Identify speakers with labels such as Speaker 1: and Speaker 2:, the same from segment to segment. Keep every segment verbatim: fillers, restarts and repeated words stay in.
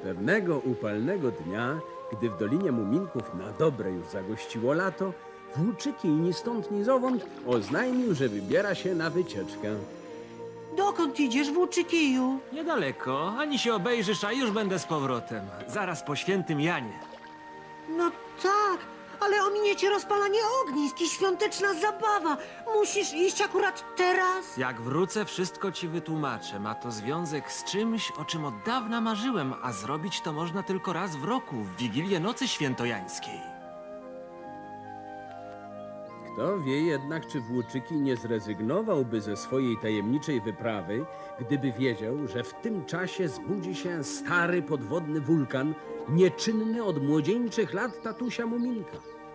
Speaker 1: Pewnego upalnego dnia, gdy w Dolinie Muminków na dobre już zagościło lato, Włóczykij ni stąd ni zowąd oznajmił, że wybiera się na wycieczkę.
Speaker 2: Dokąd idziesz, Włóczykiju?
Speaker 3: Niedaleko, ani się obejrzysz, a już będę z powrotem. Zaraz po świętym Janie.
Speaker 2: No tak, ale ominiecie rozpalanie ognisk i świąteczna zabawa. Musisz iść akurat teraz?
Speaker 3: Jak wrócę, wszystko ci wytłumaczę. Ma to związek z czymś, o czym od dawna marzyłem, a zrobić to można tylko raz w roku, w Wigilię Nocy Świętojańskiej.
Speaker 1: Kto wie jednak, czy Włóczykij nie zrezygnowałby ze swojej tajemniczej wyprawy, gdyby wiedział, że w tym czasie zbudzi się stary podwodny wulkan, nieczynny od młodzieńczych lat tatusia Muminka.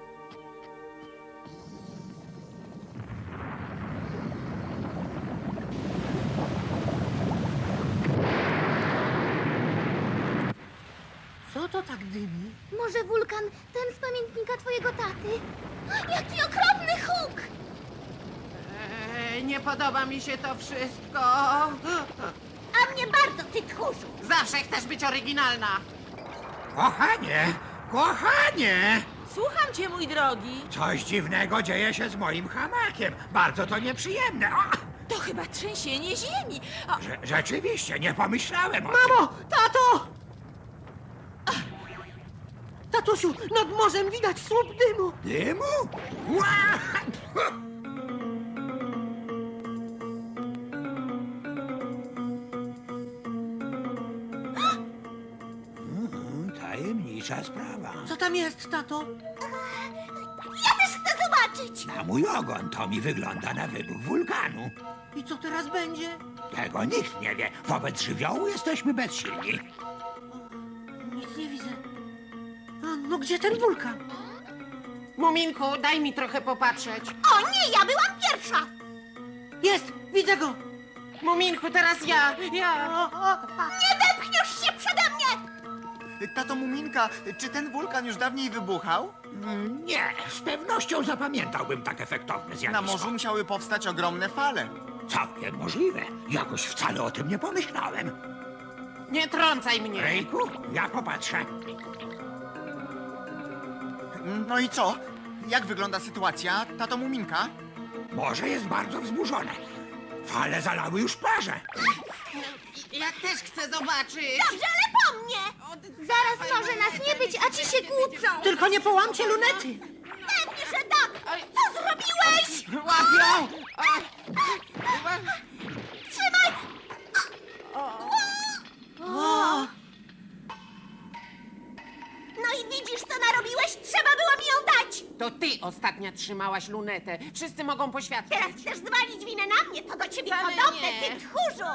Speaker 2: Co to tak dymi?
Speaker 4: Może wulkan, ten z pamiętnika twojego taty? Jaki okropny huk!
Speaker 5: Eee, nie podoba mi się to wszystko.
Speaker 4: A mnie bardzo, ty tchórzu!
Speaker 5: Zawsze chcesz być oryginalna.
Speaker 6: Kochanie, kochanie!
Speaker 5: Słucham cię, mój drogi.
Speaker 6: Coś dziwnego dzieje się z moim hamakiem. Bardzo to nieprzyjemne. O,
Speaker 5: To chyba trzęsienie ziemi. O,
Speaker 6: że, rzeczywiście, nie pomyślałem o tym.
Speaker 2: Mamo! Tato! Tatusiu, nad morzem widać słup dymu.
Speaker 6: Dymu? Ła! Mm, Tajemnicza sprawa.
Speaker 2: Co tam jest, tato?
Speaker 4: Ja też chcę zobaczyć!
Speaker 6: Na mój ogon to mi wygląda na wybuch wulkanu.
Speaker 2: I co teraz będzie?
Speaker 6: Tego nikt nie wie. Wobec żywiołu jesteśmy bezsilni.
Speaker 2: Nic nie widzę. A, no gdzie ten wulkan?
Speaker 5: Muminku, daj mi trochę popatrzeć.
Speaker 4: O nie, ja byłam pierwsza!
Speaker 2: Jest! Widzę go!
Speaker 5: Muminku, teraz ja. Ja.
Speaker 2: O, o, a.
Speaker 4: Nie wepchniesz się przede mnie!
Speaker 7: Tato Muminka, czy ten wulkan już dawniej wybuchał?
Speaker 6: Mm, Nie, z pewnością zapamiętałbym tak efektowne zjawisko.
Speaker 7: Na morzu musiały powstać ogromne fale.
Speaker 6: Całkiem możliwe. Jakoś wcale o tym nie pomyślałem.
Speaker 5: Nie trącaj mnie.
Speaker 6: Rejku, ja popatrzę.
Speaker 7: No i co? Jak wygląda sytuacja, tato Muminka?
Speaker 6: Morze jest bardzo wzburzone. Fale zalały już plażę.
Speaker 5: Ja też chcę zobaczyć.
Speaker 4: Dobrze, ale po mnie! Zaraz może nas nie być, a ci się kłócą!
Speaker 2: Tylko nie połamcie lunety!
Speaker 4: Pewnie, że tak! Co zrobiłeś?
Speaker 5: Łapią. A,
Speaker 4: Trzymaj!
Speaker 2: O,
Speaker 4: No i widzisz, co narobiłeś? Trzeba było mi ją dać!
Speaker 5: To ty ostatnia trzymałaś lunetę. Wszyscy mogą poświadczyć.
Speaker 4: Teraz chcesz zwalić winę na mnie? To do ciebie
Speaker 5: Wcale
Speaker 4: podobne,
Speaker 5: nie.
Speaker 4: ty tchórzu!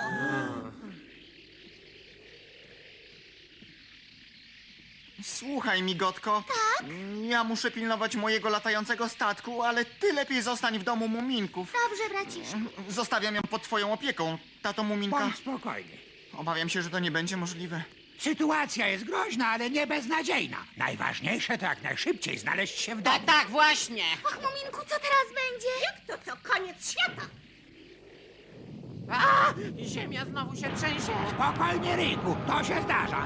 Speaker 7: Słuchaj, migotko. Tak? Ja muszę pilnować mojego latającego statku, ale ty lepiej zostań w domu Muminków.
Speaker 4: Dobrze, braciszku.
Speaker 7: Zostawiam ją pod twoją opieką, tato Muminka.
Speaker 6: Bądź spokojny.
Speaker 7: Obawiam się, że to nie będzie możliwe.
Speaker 6: Sytuacja jest groźna, ale nie beznadziejna. Najważniejsze to jak najszybciej znaleźć się w domu.
Speaker 5: Tak, tak, właśnie.
Speaker 4: Och, Muminku, co teraz będzie? Jak to co? Koniec świata!
Speaker 5: A, ziemia znowu się trzęsie.
Speaker 6: Spokojnie, Ryjku, to się zdarza.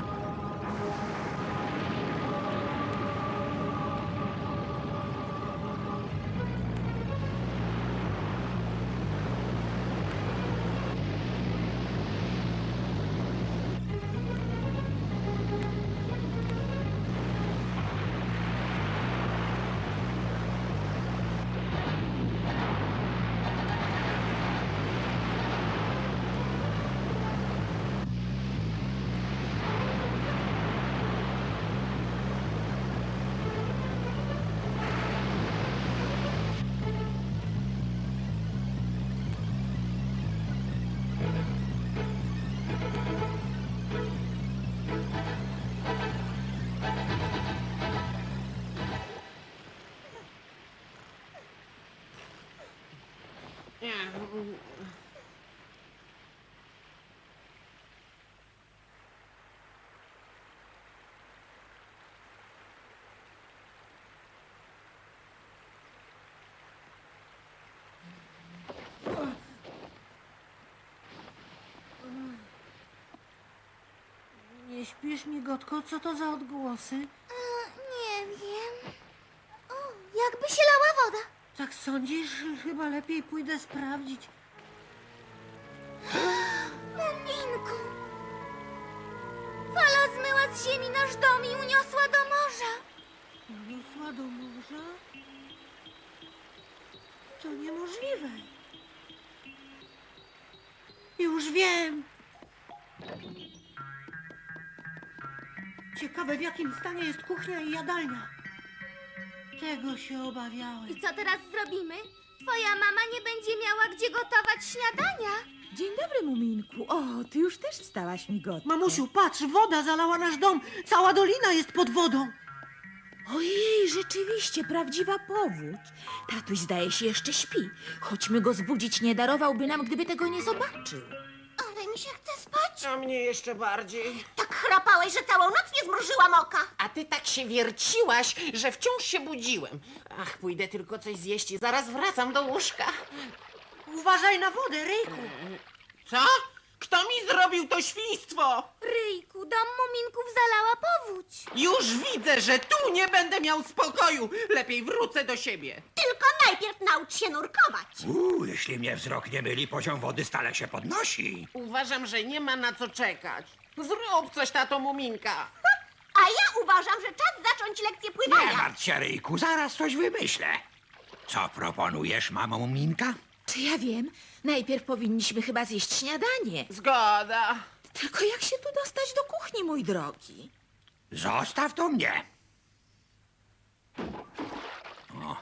Speaker 2: Nie śpisz, migotko? Co to za odgłosy?
Speaker 4: E, nie wiem. O, jakby się lała woda.
Speaker 2: Tak sądzisz? Chyba lepiej pójdę sprawdzić.
Speaker 4: Muminku! Fala zmyła z ziemi nasz dom i uniosła do morza.
Speaker 2: Uniosła do morza? To niemożliwe. Już wiem. Ciekawe, w jakim stanie jest kuchnia i jadalnia. Tego się obawiałem.
Speaker 4: I co teraz zrobimy? Twoja mama nie będzie miała gdzie gotować śniadania.
Speaker 8: Dzień dobry, Muminku. O, ty już też wstałaś, migotko.
Speaker 2: Mamusiu, patrz, woda zalała nasz dom. Cała dolina jest pod wodą.
Speaker 8: Ojej, rzeczywiście, prawdziwa powódź. Tatuś zdaje się jeszcze śpi. Chodźmy go zbudzić, nie darowałby nam, gdyby tego nie zobaczył.
Speaker 4: Ale mi się chce spać.
Speaker 5: A mnie jeszcze bardziej.
Speaker 4: Tak chrapałeś, że całą noc nie zmrużyłam oka.
Speaker 5: A ty tak się wierciłaś, że wciąż się budziłem. Ach, pójdę tylko coś zjeść i zaraz wracam do łóżka.
Speaker 2: Uważaj na wodę, Ryjku.
Speaker 5: Co? Kto mi zrobił to świństwo?
Speaker 4: Ryjku, dom muminków zalała powódź.
Speaker 5: Już widzę, że tu nie będę miał spokoju. Lepiej wrócę do siebie.
Speaker 4: Tylko najpierw naucz się nurkować.
Speaker 6: Uuu, jeśli mnie wzrok nie myli, poziom wody stale się podnosi.
Speaker 5: Uważam, że nie ma na co czekać. Zrób coś, tato Muminka.
Speaker 4: A ja uważam, że czas zacząć lekcję
Speaker 6: Nie
Speaker 4: pływania.
Speaker 6: martw się, Ryjku, zaraz coś wymyślę. Co proponujesz, mamo Minka?
Speaker 8: Czy ja wiem? Najpierw powinniśmy chyba zjeść śniadanie.
Speaker 5: Zgoda.
Speaker 8: Tylko jak się tu dostać do kuchni, mój drogi?
Speaker 6: Zostaw to mnie. O.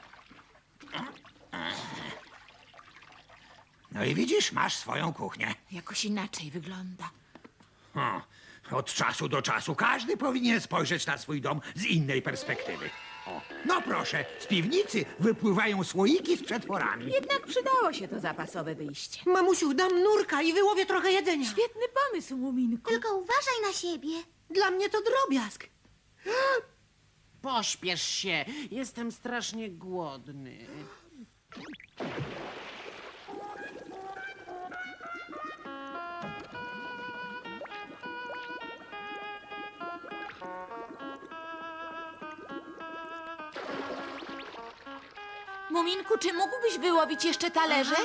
Speaker 6: No i widzisz, masz swoją kuchnię.
Speaker 8: Jakoś inaczej wygląda.
Speaker 6: O. Od czasu do czasu każdy powinien spojrzeć na swój dom z innej perspektywy. O. No proszę, z piwnicy wypływają słoiki z przetworami.
Speaker 8: Jednak przydało się to zapasowe wyjście.
Speaker 2: Mamusiu, dam nurka i wyłowię trochę jedzenia.
Speaker 8: Świetny pomysł, Muminku.
Speaker 4: Tylko uważaj na siebie.
Speaker 2: Dla mnie to drobiazg.
Speaker 5: Pośpiesz się. Jestem strasznie głodny.
Speaker 8: Muminku, czy mógłbyś wyłowić jeszcze talerze?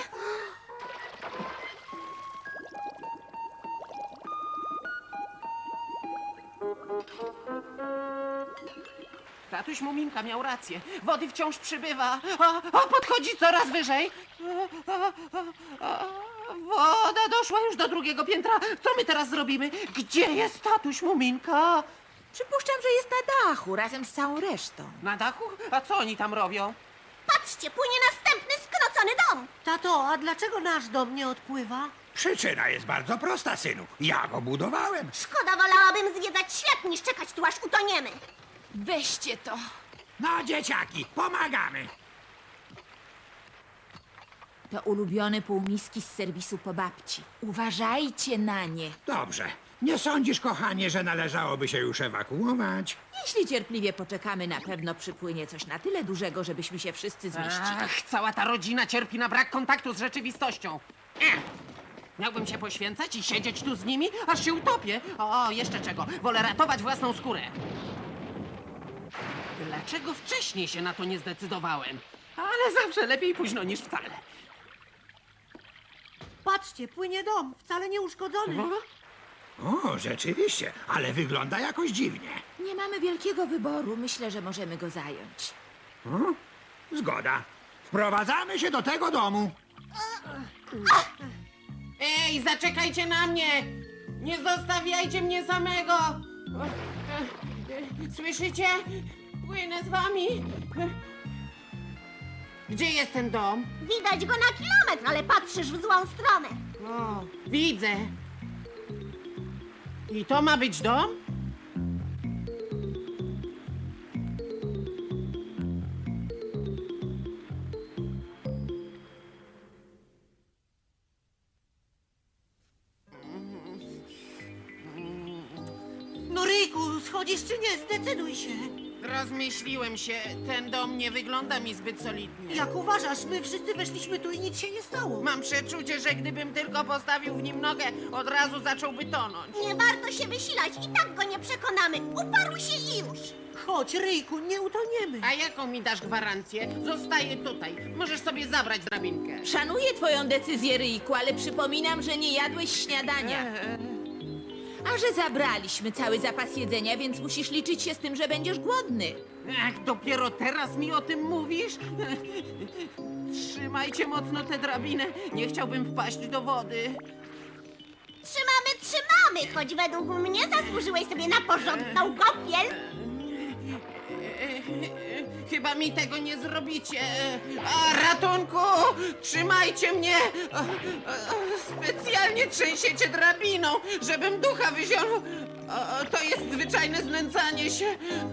Speaker 5: Tatuś Muminka miał rację. Wody wciąż przybywa. A, a podchodzi coraz wyżej. A, a, a, a, woda doszła już do drugiego piętra. Co my teraz zrobimy? Gdzie jest tatuś Muminka?
Speaker 8: Przypuszczam, że jest na dachu razem z całą resztą.
Speaker 5: Na dachu? A co oni tam robią?
Speaker 4: Patrzcie, płynie następny skrocony dom.
Speaker 2: Tato, a dlaczego nasz dom nie odpływa?
Speaker 6: Przyczyna jest bardzo prosta, synu. Ja go budowałem.
Speaker 4: Szkoda, wolałabym zwiedzać świat niż czekać tu aż utoniemy.
Speaker 8: Weźcie to.
Speaker 6: No, dzieciaki, pomagamy.
Speaker 8: To ulubione półmiski z serwisu po babci. Uważajcie na nie.
Speaker 6: Dobrze. Nie sądzisz, kochanie, że należałoby się już ewakuować?
Speaker 8: Jeśli cierpliwie poczekamy, na pewno przypłynie coś na tyle dużego, żebyśmy się wszyscy zmieścili.
Speaker 5: Ach, cała ta rodzina cierpi na brak kontaktu z rzeczywistością. Ech. Miałbym się poświęcać i siedzieć tu z nimi, aż się utopię. O, jeszcze czego. Wolę ratować własną skórę. Dlaczego wcześniej się na to nie zdecydowałem? Ale zawsze lepiej późno niż wcale.
Speaker 2: Patrzcie, płynie dom, wcale nie uszkodzony.
Speaker 6: O, rzeczywiście, ale wygląda jakoś dziwnie.
Speaker 8: Nie mamy wielkiego wyboru. Myślę, że możemy go zająć.
Speaker 6: Zgoda. Wprowadzamy się do tego domu.
Speaker 5: Ej, zaczekajcie na mnie! Nie zostawiajcie mnie samego! Słyszycie? Płynę z wami. Gdzie jest ten dom?
Speaker 4: Widać go na kilometr, ale patrzysz w złą stronę.
Speaker 5: O, widzę. I to ma być dom?
Speaker 2: No Ryjku, schodzisz czy nie? Zdecyduj się.
Speaker 5: Rozmyśliłem się, ten dom nie wygląda mi zbyt solidnie.
Speaker 2: Jak uważasz, my wszyscy weszliśmy tu i nic się nie stało.
Speaker 5: Mam przeczucie, że gdybym tylko postawił w nim nogę, od razu zacząłby tonąć.
Speaker 4: Nie warto się wysilać, i tak go nie przekonamy. Uparł się i już.
Speaker 2: Chodź, Ryjku, nie utoniemy.
Speaker 5: A jaką mi dasz gwarancję? Zostaję tutaj. Możesz sobie zabrać drabinkę.
Speaker 8: Szanuję twoją decyzję, Ryjku, ale przypominam, że nie jadłeś śniadania. A że zabraliśmy cały zapas jedzenia, więc musisz liczyć się z tym, że będziesz głodny.
Speaker 5: Ach, dopiero teraz mi o tym mówisz? Trzymajcie mocno tę drabinę. Nie chciałbym wpaść do wody.
Speaker 4: Trzymamy, trzymamy, choć według mnie zasłużyłeś sobie na porządną kąpiel.
Speaker 5: Chyba mi tego nie zrobicie. A, ratunku! Trzymajcie mnie! A, a, Specjalnie trzęsiecie drabiną, żebym ducha wyziął. A, To jest zwyczajne znęcanie się.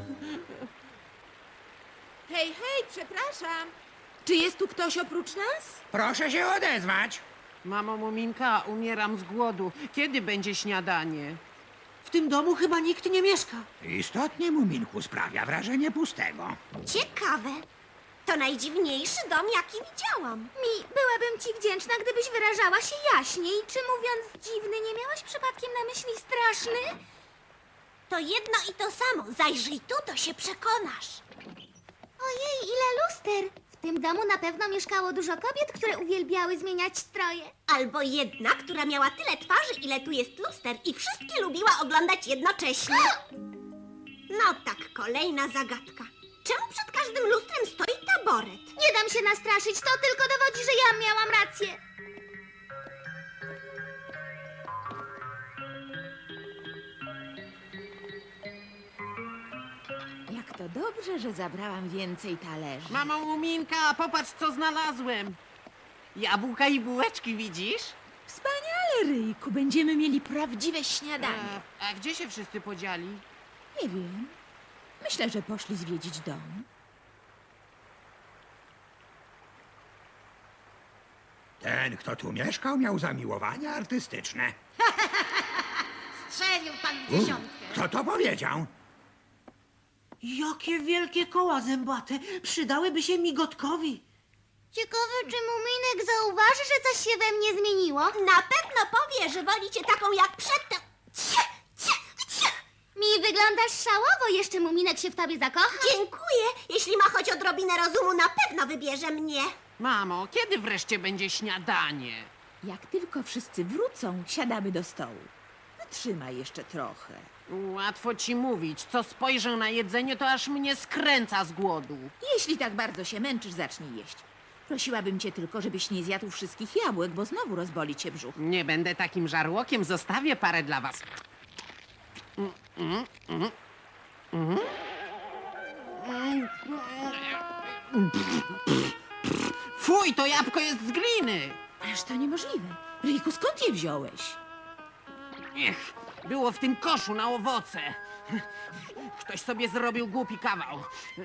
Speaker 8: Hej, hej, przepraszam. Czy jest tu ktoś oprócz nas?
Speaker 6: Proszę się odezwać.
Speaker 5: Mamo Muminka, umieram z głodu. Kiedy będzie śniadanie?
Speaker 2: W tym domu chyba nikt nie mieszka.
Speaker 6: Istotnie, Muminku, sprawia wrażenie pustego.
Speaker 4: Ciekawe. To najdziwniejszy dom, jaki widziałam. Mi, byłabym ci wdzięczna, gdybyś wyrażała się jaśniej. Czy mówiąc dziwny, nie miałaś przypadkiem na myśli straszny? To jedno i to samo. Zajrzyj tu, to się przekonasz. Ojej, ile luster! W tym domu na pewno mieszkało dużo kobiet, które uwielbiały zmieniać stroje. Albo jedna, która miała tyle twarzy, ile tu jest luster i wszystkie lubiła oglądać jednocześnie. No tak, kolejna zagadka. Czemu przed każdym lustrem stoi taboret? Nie dam się nastraszyć, to tylko dowodzi, że ja miałam rację.
Speaker 8: Jak to dobrze, że zabrałam więcej talerzy.
Speaker 5: Mamo Muminka, popatrz co znalazłem. Jabłka i bułeczki, widzisz?
Speaker 8: Wspaniale, Ryjku, będziemy mieli prawdziwe śniadanie.
Speaker 5: A, a gdzie się wszyscy podzieli?
Speaker 8: Nie wiem. Myślę, że poszli zwiedzić dom.
Speaker 6: Ten, kto tu mieszkał, miał zamiłowania artystyczne.
Speaker 4: Strzelił pan w dziesiątkę.
Speaker 6: Kto to powiedział?
Speaker 2: Jakie wielkie koła zębate. Przydałyby się migotkowi.
Speaker 4: Ciekawe, czy Muminek zauważy, że coś się we mnie zmieniło? Na pewno powie, że woli cię taką jak przedtem. Cie, cie, cie. Mi wyglądasz szałowo, jeszcze Muminek się w tobie zakocha. Dziękuję. Jeśli ma choć odrobinę rozumu, na pewno wybierze mnie.
Speaker 5: Mamo, kiedy wreszcie będzie śniadanie?
Speaker 8: Jak tylko wszyscy wrócą, siadamy do stołu. Wytrzymaj jeszcze trochę.
Speaker 5: Łatwo ci mówić. Co spojrzę na jedzenie, to aż mnie skręca z głodu.
Speaker 8: Jeśli tak bardzo się męczysz, zacznij jeść. Prosiłabym cię tylko, żebyś nie zjadł wszystkich jabłek, bo znowu rozboli cię brzuch.
Speaker 5: Nie będę takim żarłokiem, zostawię parę dla was. Mm, mm, mm, mm. Mm, mm. Fuj, to jabłko jest z gliny!
Speaker 8: Ależ to niemożliwe. Ryjku, skąd je wziąłeś?
Speaker 5: Ech, było w tym koszu na owoce. Ktoś sobie zrobił głupi kawał.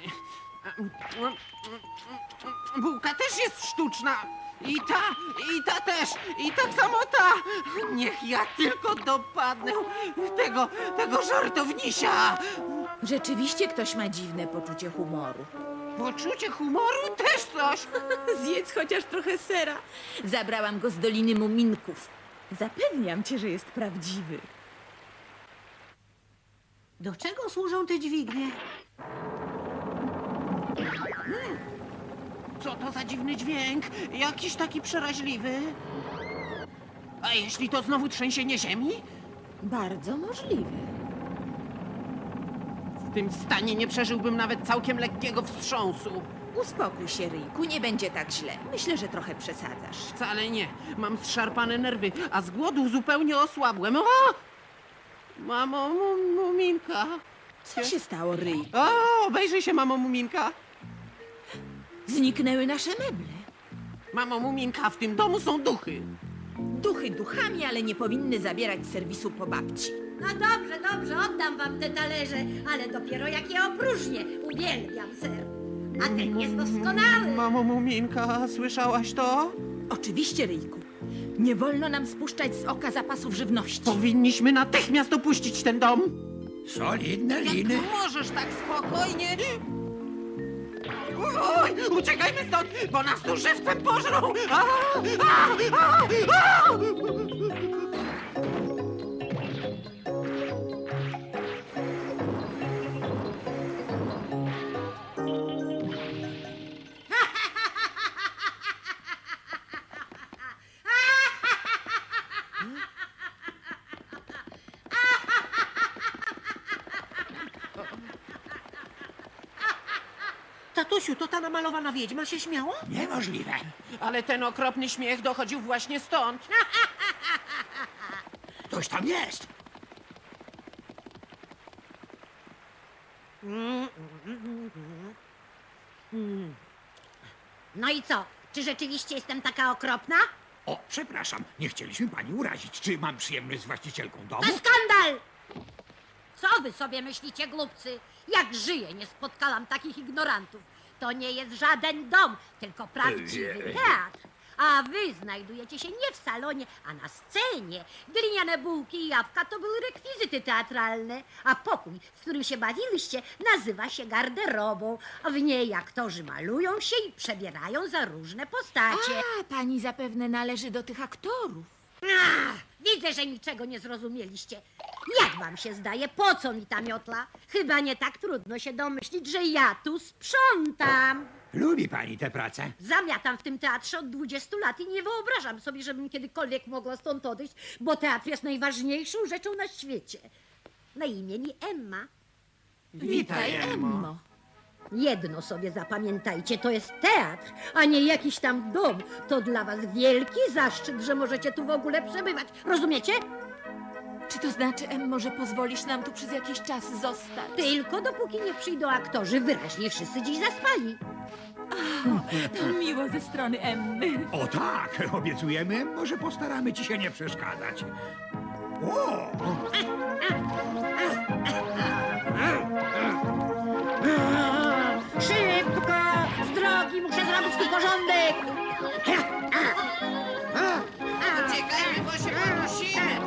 Speaker 5: Bułka też jest sztuczna. I ta, i ta też, i tak samo ta. Niech ja tylko dopadnę tego, tego żartownisia.
Speaker 8: Rzeczywiście ktoś ma dziwne poczucie humoru.
Speaker 5: Poczucie humoru też coś.
Speaker 8: Zjedz chociaż trochę sera. Zabrałam go z Doliny Muminków. Zapewniam cię, że jest prawdziwy.
Speaker 2: Do czego służą te dźwignie?
Speaker 5: Co to za dziwny dźwięk? Jakiś taki przeraźliwy. A jeśli to znowu trzęsienie ziemi?
Speaker 8: Bardzo możliwe.
Speaker 5: W tym stanie nie przeżyłbym nawet całkiem lekkiego wstrząsu.
Speaker 8: Uspokój się, Ryjku, nie będzie tak źle. Myślę, że trochę przesadzasz.
Speaker 5: Wcale nie. Mam zszarpane nerwy, a z głodu zupełnie osłabłem. O! Mamo mu, Muminka.
Speaker 8: Co się stało, Ryjku?
Speaker 5: O, obejrzyj się, mamo Muminka.
Speaker 8: Zniknęły nasze meble.
Speaker 5: Mamo Muminka, w tym domu są duchy.
Speaker 8: Duchy duchami, ale nie powinny zabierać serwisu po babci.
Speaker 9: No dobrze, dobrze, oddam wam te talerze, ale dopiero jak je opróżnię. Uwielbiam ser. A ten jest doskonały.
Speaker 5: Mamo Muminka, słyszałaś to?
Speaker 8: Oczywiście, Ryjku. Nie wolno nam spuszczać z oka zapasów żywności.
Speaker 5: Powinniśmy natychmiast opuścić ten dom.
Speaker 6: Solidne
Speaker 5: Jak
Speaker 6: liny.
Speaker 5: możesz tak spokojnie? Oj, uciekajmy stąd, bo nas tu żywcem pożrą! A, a, a, a!
Speaker 2: Tatusiu, to ta namalowana wiedźma się śmiała?
Speaker 6: Niemożliwe.
Speaker 5: Ale ten okropny śmiech dochodził właśnie stąd.
Speaker 6: Ktoś tam jest.
Speaker 9: No i co? Czy rzeczywiście jestem taka okropna?
Speaker 6: O, przepraszam, nie chcieliśmy pani urazić. Czy mam przyjemność z właścicielką domu?
Speaker 9: To skandal! Co wy sobie myślicie, głupcy? Jak żyję, nie spotkałam takich ignorantów. To nie jest żaden dom, tylko prawdziwy teatr. A wy znajdujecie się nie w salonie, a na scenie. Gliniane bułki i jabłka to były rekwizyty teatralne, a pokój, w którym się bawiliście, nazywa się garderobą. A w niej aktorzy malują się i przebierają za różne postacie.
Speaker 8: A, pani zapewne należy do tych aktorów.
Speaker 9: Ach, widzę, że niczego nie zrozumieliście. Jak wam się zdaje, po co mi ta miotla? Chyba nie tak trudno się domyślić, że ja tu sprzątam.
Speaker 6: Lubi pani tę pracę?
Speaker 9: Zamiatam w tym teatrze od dwudziestu lat i nie wyobrażam sobie, żebym kiedykolwiek mogła stąd odejść, bo teatr jest najważniejszą rzeczą na świecie. Na imię mi Emma.
Speaker 8: Witaj, Emmo.
Speaker 9: Jedno sobie zapamiętajcie, to jest teatr, a nie jakiś tam dom. To dla was wielki zaszczyt, że możecie tu w ogóle przebywać. Rozumiecie?
Speaker 8: Czy to znaczy, Emmo, że pozwolisz nam tu przez jakiś czas zostać?
Speaker 9: Tylko dopóki nie przyjdą aktorzy, wyraźnie wszyscy dziś zaspali.
Speaker 8: To miło ze strony Emmy.
Speaker 6: O tak, obiecujemy, może postaramy ci się nie przeszkadzać. O!
Speaker 9: Szybko! Z drogi, muszę zrobić tu porządek!
Speaker 5: Uciekajmy, bo się podusimy!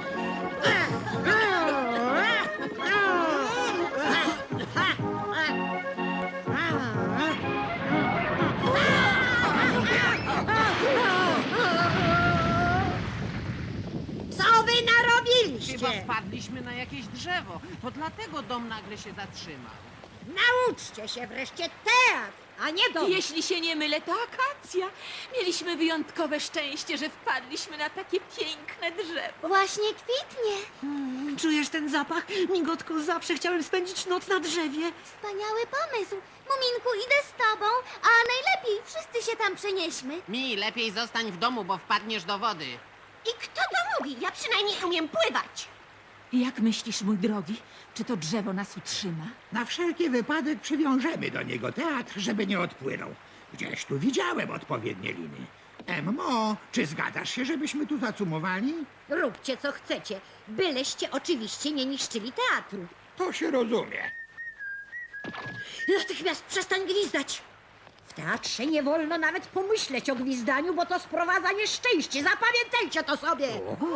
Speaker 9: Co wy narobiliście?
Speaker 5: Chyba wpadliśmy na jakieś drzewo. To dlatego dom nagle się zatrzymał.
Speaker 9: Nauczcie się wreszcie teatr, a nie dom.
Speaker 8: Jeśli się nie mylę, to akacja. Mieliśmy wyjątkowe szczęście, że wpadliśmy na takie piękne drzewo.
Speaker 4: Właśnie kwitnie.
Speaker 2: Czujesz ten zapach? Migotko, zawsze chciałem spędzić noc na drzewie.
Speaker 4: Wspaniały pomysł. Muminku, idę z tobą, a najlepiej wszyscy się tam przenieśmy.
Speaker 5: Mi, lepiej zostań w domu, bo wpadniesz do wody.
Speaker 4: I kto to mówi? Ja przynajmniej umiem pływać.
Speaker 8: Jak myślisz, mój drogi, czy to drzewo nas utrzyma?
Speaker 6: Na wszelki wypadek przywiążemy do niego teatr, żeby nie odpłynął. Gdzieś tu widziałem odpowiednie liny. Emmo, czy zgadzasz się, żebyśmy tu zacumowali?
Speaker 9: Róbcie co chcecie, byleście oczywiście nie niszczyli teatru.
Speaker 6: To się rozumie.
Speaker 9: Natychmiast przestań gwizdać. W teatrze nie wolno nawet pomyśleć o gwizdaniu, bo to sprowadza nieszczęście. Zapamiętajcie to sobie.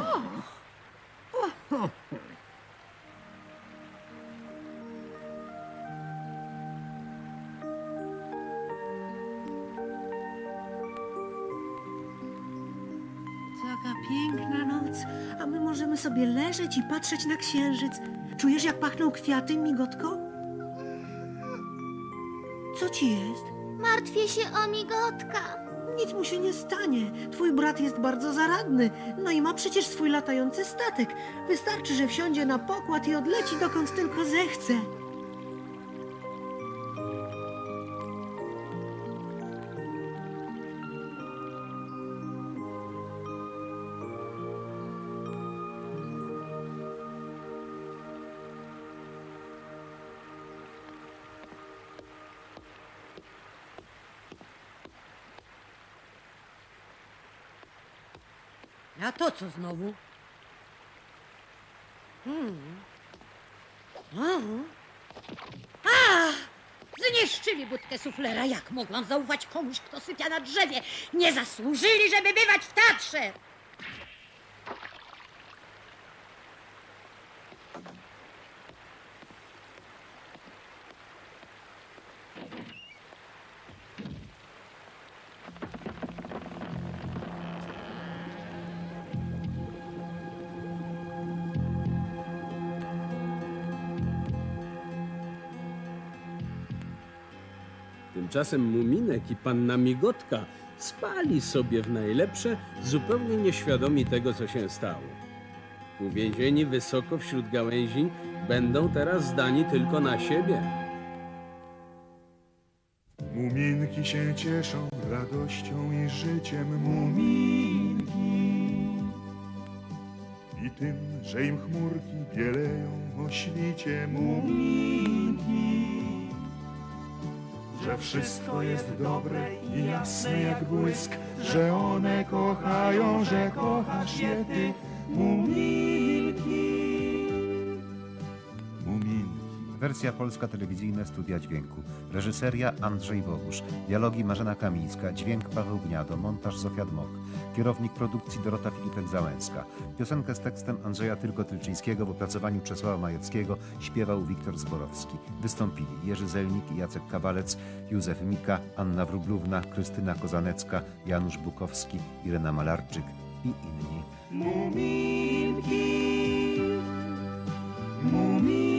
Speaker 2: Taka piękna noc, a my możemy sobie leżeć i patrzeć na księżyc. Czujesz, jak pachną kwiaty, Migotko? Co ci jest?
Speaker 4: Martwię się o migotka.
Speaker 2: Nic mu się nie stanie. Twój brat jest bardzo zaradny. No i ma przecież swój latający statek. Wystarczy, że wsiądzie na pokład i odleci dokąd tylko zechce.
Speaker 9: A to co znowu? Hmm. Hmm. A! Zniszczyli budkę suflera. Jak mogłam zaufać komuś, kto sypia na drzewie? Nie zasłużyli, żeby bywać w teatrze!
Speaker 1: Tymczasem Muminek i panna Migotka spali sobie w najlepsze, zupełnie nieświadomi tego, co się stało. Uwięzieni wysoko wśród gałęzi, będą teraz zdani tylko na siebie.
Speaker 10: Muminki się cieszą radością i życiem, muminki. I tym, że im chmurki bieleją o świcie, muminki. Że wszystko jest dobre i jasne jak błysk, że one kochają, że kochasz je ty, muminki. Muminki.
Speaker 11: Wersja polska telewizyjna Studia Dźwięku. Reżyseria Andrzej Bogusz. Dialogi Marzena Kamińska. Dźwięk Paweł Gniado. Montaż Zofia Dmok. Kierownik produkcji Dorota Filipek-Załęska. Piosenkę z tekstem Andrzeja Tylko-Tylczyńskiego w opracowaniu Czesława Majewskiego śpiewał Wiktor Zborowski. Wystąpili Jerzy Zelnik, Jacek Kawalec, Józef Mika, Anna Wróblówna, Krystyna Kozanecka, Janusz Bukowski, Irena Malarczyk i inni.
Speaker 10: Muminki. Muminki.